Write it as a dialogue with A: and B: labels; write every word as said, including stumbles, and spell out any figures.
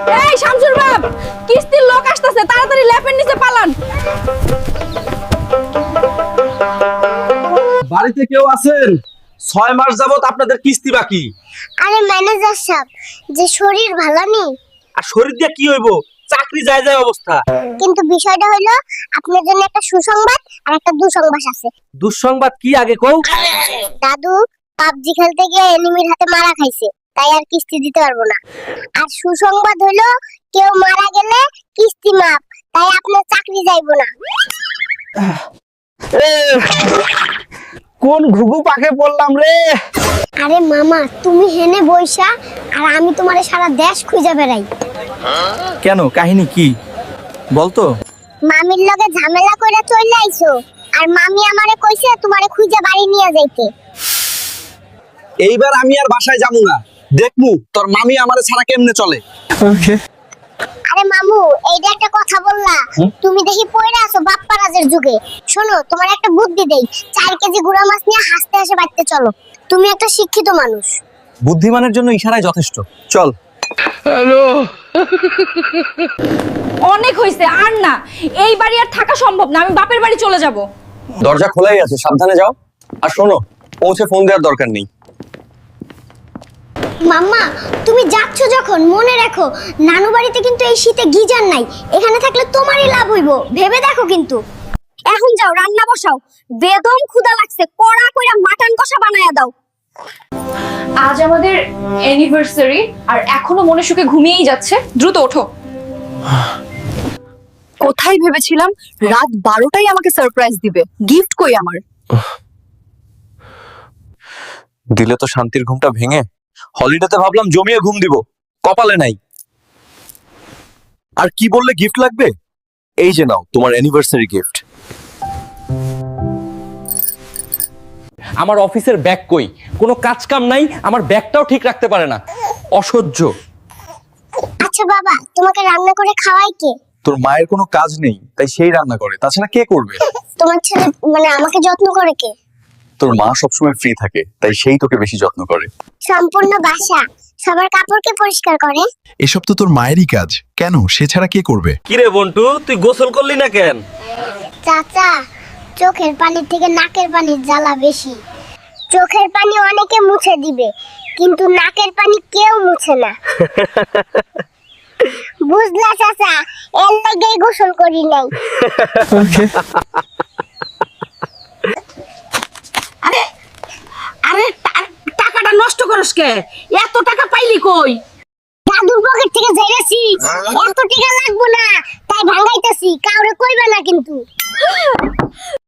A: এই শামসুর বাপ, কিস্তির লোক আসতেছে, তাড়াতাড়ি ল্যাপের নিচে পালান।
B: বাড়িতে কেউ আছেন? ছয় মাস যাবত আপনাদের কিস্তি বাকি।
C: আরে ম্যানেজার সাহেব, যে শরীর ভালো নেই।
B: আর শরীর দিয়ে কি হইব? চাকরি যায় যায় অবস্থা।
C: কিন্তু বিষয়টা হলো আপনার জন্য একটা সুসংবাদ আর একটা দুঃসংবাদ আছে।
B: দুঃসংবাদ কি আগে কও?
C: দাদু পাবজি খেলতে গিয়ে এনিমির হাতে মারা খাইছে, তাই আর কিস্তি দিতে পারবো না। আর সুসংবাদ হলো কেউ মারা গেলে কিস্তি মাপ, তাই আপনার চাকরি যাইবো না।
B: কোন ঘুঘু পাখে পড়লাম রে?
C: আরে মামা, তুমি হেনে বইসা আর আমি তোমারে সারা দেশ খুঁজে বেড়াই।
B: কেন, কাহিনী কি বলতো?
C: মামির লগে ঝামেলা কইরা চলে আইছো, আর মামি আমারে কইছে তোমারে খুঁজে বাড়ি নিয়ে যাইতে।
B: এইবার আমি আর বাসায় যাবো না, দেখমু তোর মামি আমারে ছাড়া কেমনে চলে। ওকে।
C: আরে মামু, এইটা একটা কথা বললা? তুমি দেখি পয়রা আছো বাপ্পারাজের যুগে। শোনো, তোমার একটা বুদ্ধি দেই, চার কেজি গুড়া মাছ নিয়ে হাসতে হাসে বাড়িতে চলো। তুমি একটা শিক্ষিত মানুষ।
B: বুদ্ধিমানের জন্য ইশারাই যথেষ্ট, চল।
D: হ্যালো,
A: অনেক হইছে, আর না, এই বাড়ি আর থাকা সম্ভব না, আমি বাপের বাড়ি চলে যাব।
B: দরজা খোলাই আছে, সাবধানে যাও। আর শোনো, পৌঁছে ফোন দেওয়ার দরকার নেই।
C: মাম্মা, তুমি যাচ্ছ যখন মনে রাখো, নানু বাড়িতে কিন্তু এই শীতে গিজার নাই। এখানে থাকলে তোমারই লাভ হইব, ভেবে দেখো কিন্তু।
A: এখন যাও, রান্না বসাও, বেদম ক্ষুধা লাগছে, কড়া কইরা মাটন কষা বানায়া দাও। আজ আমাদের অ্যানিভার্সারি, আর এখনো মনে সুখে ঘুমিয়েই যাচ্ছে। দ্রুত ওঠো। কোথায় ভেবেছিলাম রাত বারোটায় আমাকে সারপ্রাইজ দিবে, গিফট কই আমার?
B: দিলে তো শান্তির ঘুমটা ভেঙে। হলিডেতে ভাবলাম জমিয়ে ঘুম দিব, কপালে নাই। আর কি বললে গিফট লাগবে? এই যে নাও তোমার অ্যানিভার্সারি গিফট। আমার অফিসের ব্যাগ কই? কোনো কাজ কাম নাই, আমার ব্যাগটাও ঠিক রাখতে পারে না, অসহ্য।
C: আচ্ছা বাবা, তোমাকে রান্না করে খাওয়াই কে?
B: তোর মায়ের কোনো কাজ নেই, তাই সেই রান্না করে, তাছাড়া কে করবে?
C: তোমার ছেলে মানে আমাকে যত্ন করে কে?
B: তোর মা সবসময় ফ্রি থাকে, তাই সেই তোকে বেশি যত্ন করে।
C: সম্পূর্ণ বাসা সবার কাপড় কে পরিষ্কার করে?
E: এসব তো তোর মায়েরই কাজ, কেন সে ছাড়া কে করবে?
B: কিরে বন্টু, তুই গোসল করলি না কেন?
C: চাচা, চোখের পানির থেকে নাকের পানির জ্বালা বেশি। চোখের পানি অনেকে মুছে দিবে, কিন্তু নাকের পানি কেউ মুছে না। বুঝলা চাচা, এর লাগেই গোসল করি নাই।
A: আরে আরে টাকাটা নষ্ট করস কে? এত টাকা পাইলি কই?
C: দাদুর পকেট থেকে ঝেড়েছি, এত টাকা লাগবো না, তাই ভাঙাইতেছি, কাউরে কইবে না কিন্তু।